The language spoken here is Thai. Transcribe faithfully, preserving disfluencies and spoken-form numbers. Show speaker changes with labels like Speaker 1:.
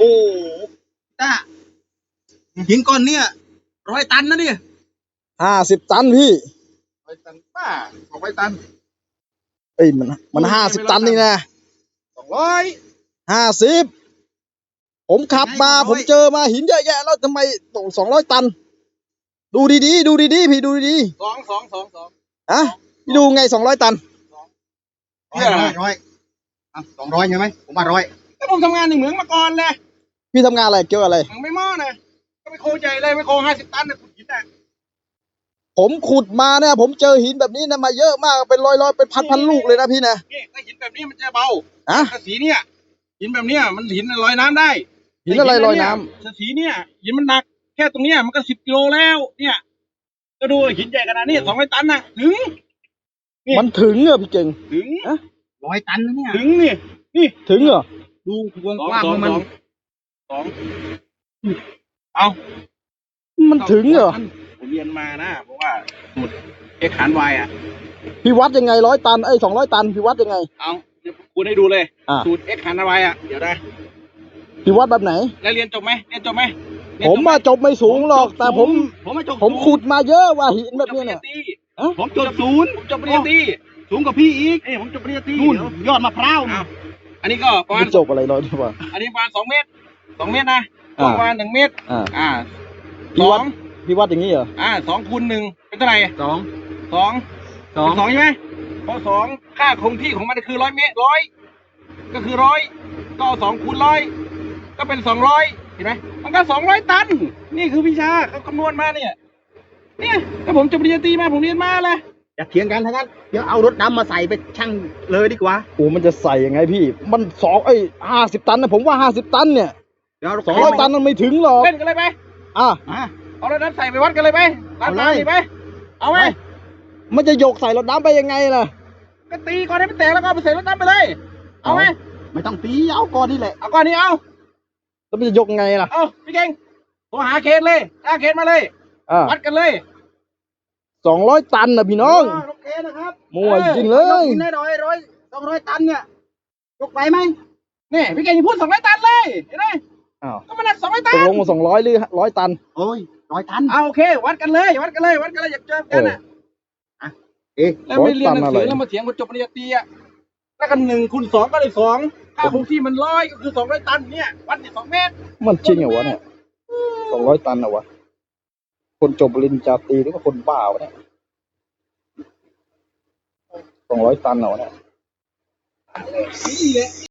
Speaker 1: อ้ต้าหินก้อนเนี้ยร้อยตันนะเนี่ย
Speaker 2: ห้าสิบตันพี่
Speaker 1: ร้อยตันป้าสองร้อยตัน
Speaker 2: เอ้ยมันมันห้าสิบตันนี่นะ
Speaker 1: สองร้อย
Speaker 2: ห้าสิบผมขับมาผมเจอมาหินเยอะแยะแล้วทำไมตกสองร้อยตันดูดีๆดูดีๆพี่ดูดี
Speaker 1: ๆสองสองสองสอง
Speaker 2: อะพี่ดูไงสองร้อยตัน
Speaker 1: ร้อยร้อยร้อยอ่ะสองร้อยใช่ไหมผมมาร้อยก็ผมทำงานในเหมืองมาก่อนเลย
Speaker 2: พี่ทำงานอะไรเกี่ยวอะไร
Speaker 1: เหมืองไม่หม้อนะก็ไปโคใจเลยไม่โคห้าสิบตันนะขุดหินอ่ะ
Speaker 2: ผมขุดมาเนี่ยผมเจอหินแบบนี้นะมาเยอะมากเป็นร้อยร้อยเป็นพันพันลูกเลยนะพี่นะ
Speaker 1: นี่ถ้าหินแบบนี้มันจะเบา
Speaker 2: อะ
Speaker 1: สีเนี่ยหินแบบเนี้ยมันหินลอยน้ำได้
Speaker 2: หินอะไรลอยน้
Speaker 1: ำสีเนี่ยหินมันหนักแค่ตรงเนี้ยมันก็สิบกิโลแล้วเนี่ยก็ดูหินใหญ่ขนาดนี้สองร้อยตันนะถึง
Speaker 2: มันถึงเหรอพี่เก่ง
Speaker 1: ถึงร้อยตันนะเนี่ยถึงนี่นี่
Speaker 2: ถึงเหรอ
Speaker 1: ดูกว้างๆมันสองเอา
Speaker 2: มันถึงเหรอ
Speaker 1: ผมเรียนมานะเพราะว่าสูตรเอกขานวายอ่ะ
Speaker 2: พี่วัดยังไงร้อยตันไอ้สองร้อยตันพี่วัดยังไง
Speaker 1: เอาเดี๋ยวคุณให้ดูเลยสูตรเอกขานวายอ่ะเดี๋ยวได้
Speaker 2: พี่วัดแบบไหน
Speaker 1: แล้วเรียนจบไหมเรียนจบไหม
Speaker 2: ผมมาจบไม่สูงหรอกแต่ผม
Speaker 1: ผมมาจบ
Speaker 2: ผมขุดมาเยอะว่าหินแบบนี้เนี่ย
Speaker 1: ผมจบศูนย์ผมจบปริญญาตรีสูงกว่าพี่อีกเอ้ผมจบปริญญาตรีนู่นยอดมะพร้าวนะอันนี้ก็ประมาณ
Speaker 2: จบอะไรร้อยดีกว่า
Speaker 1: อันนี้ประมาณสองเมตรสองเมตรนะประมาณหนึ่งเมตรอ่า
Speaker 2: พี่วัดพี่วัดอย่างนี้เหรอ
Speaker 1: อ่าสองคูณหนึ่งเป็นเท่าไหร่สองสองสองสองใช่ไหมพอสองค่าคงที่ของมันคือร้อยเมตรร้อยก็คือร้อยก็สองคูณร้อยก็เป็นสองร้อยเห็นไหมมันก็สองร้อยตันนี่คือวิชาเขาคำนวณมาเนี่ยเนี่ยถ้าผมจบปริญญาตรีมาผมเรียนมาเลยอย่าเถียงกันทั้งนั้นเดี๋ยวเอารถดำมาใส่ไปชั่งเลยดีกว่า
Speaker 2: โอ้มันจะใส่ยังไงพี่มันสองไอ้ห้าสิบตันนะผมว่าห้าสิบตันเนี่ยสองร้อยตันมันไม่ถึงหรอก
Speaker 1: เล่นกันเลยไหม
Speaker 2: อ่ะ
Speaker 1: เอารถดำใส่ไปวัดกันเลยไหมเอาเลยไหมเอาไหม
Speaker 2: มันจะโยกใส่รถดำไปยังไงล่ะ
Speaker 1: ก็ตีก่อนให้มันแตกแล้วก็ไปใส่รถดำไปเลยเอาไหม
Speaker 2: ไม่ต้องตีเอาก้อนนี่แหละ
Speaker 1: เอาก้อนนี้เอา
Speaker 2: แล้วมันจะยกไงล่ะ
Speaker 1: เอาพี่เก่งโทรหาเคนเลยหาเคนมาเลยวัดกันเลย
Speaker 2: สองร้อยตันนะพี่น้อง
Speaker 1: โอเคนะครับ
Speaker 2: มั่วจริงเลย
Speaker 1: ได้ร้อยร้อยสองร้อยตันเนี่ยยกไปไหมนี่พี่เก่งพูดสองร้อยตันเลยเห็นไหม
Speaker 2: อ้าว
Speaker 1: ก็มันหนักสองร้อยตัน
Speaker 2: ตกลงมาสองร้อยหรือร้อยตัน
Speaker 1: โอ้ยร้อยตันเอาโอเควัดกันเลยวัดกันเลยวัดกันเลยอยากเจอกันอ่ะเอ๊ะแล้วไม่เรียนหนังสือแล้วมาเถียงคนจบปริญญาตรีอ่ะแล้วกันหนึ่งคูณสองก็เลยสองค่าคงที่มันร้อยก็คือสองร้อยตันเนี่ยวัดเนี่ยสองเมตร
Speaker 2: มันจริงเหรอวะเนี่ยสองร้อยตันเหรอวะคนจบปริญญาตรีหรือว่าคนบ้าวะเนี่ยสองร้อยตันเหรอเนี่ย